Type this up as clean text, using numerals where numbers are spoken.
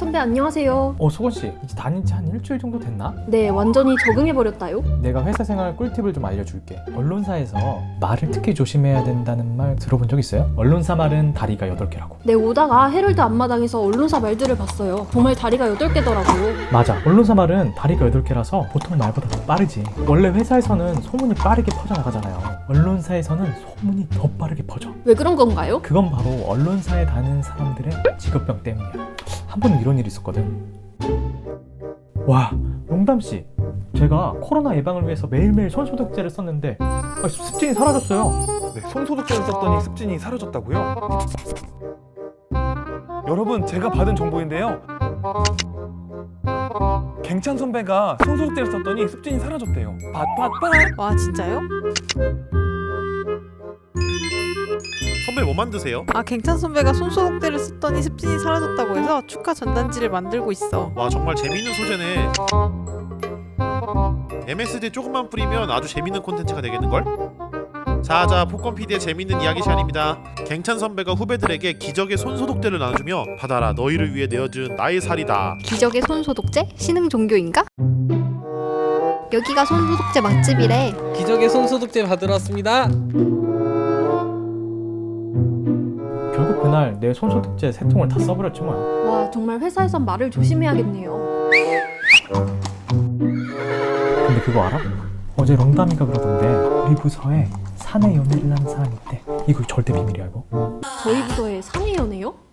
선배 안녕하세요. 소건씨, 이제 다닌 지 한 일주일 정도 됐나? 네, 완전히 적응해버렸다요. 내가 회사 생활 꿀팁을 좀 알려줄게. 언론사에서 말을 특히 조심해야 된다는 말 들어본 적 있어요? 언론사 말은 다리가 8개라고. 네, 오다가 헤럴드 앞마당에서 언론사 말들을 봤어요. 정말 다리가 8개더라고요. 맞아, 언론사 말은 다리가 8개라서 보통 말보다 더 빠르지. 원래 회사에서는 소문이 빠르게 퍼져나가잖아요. 언론사에서는 소문이 더 빠르게 퍼져. 왜 그런 건가요? 그건 바로 언론사에 다니는 사람들의 직업병 때문이야. 한 번은 이런 일이 있었거든. 와, 용담씨, 제가 코로나 예방을 위해서 매일매일 손소독제를 썼는데 습진이 사라졌어요. 네, 손소독제를 썼더니 습진이 사라졌다고요? 여러분, 제가 받은 정보인데요. 갱찬 선배가 손소독제를 썼더니 습진이 사라졌대요. 팟팟팟. 와, 진짜요? 선배 뭐 만드세요? 갱찬 선배가 손소독제를 썼더니 습진이 사라졌다고 해서 축하 전단지를 만들고 있어. 와, 정말 재밌는 소재네. MSD 조금만 뿌리면 아주 재밌는 콘텐츠가 되겠는걸? 자, 폭권 PD의 재밌는 이야기 시간입니다. 갱찬 선배가 후배들에게 기적의 손소독제를 나눠주며 받아라, 너희를 위해 내어준 나의 살이다. 기적의 손소독제? 신흥 종교인가? 여기가 손소독제 맛집이래. 기적의 손소독제 받으러 왔습니다. 결국 그날 내 손소독제 3통을 다 써버렸지 뭐야. 와, 정말 회사에선 말을 조심해야겠네요. 근데 그거 알아? 어제 롱담이가 그러던데 우리 부서에 사내 연애를 하는 사람이 있대. 이거 절대 비밀이야 이거. 저희 부서에 사내 연애요?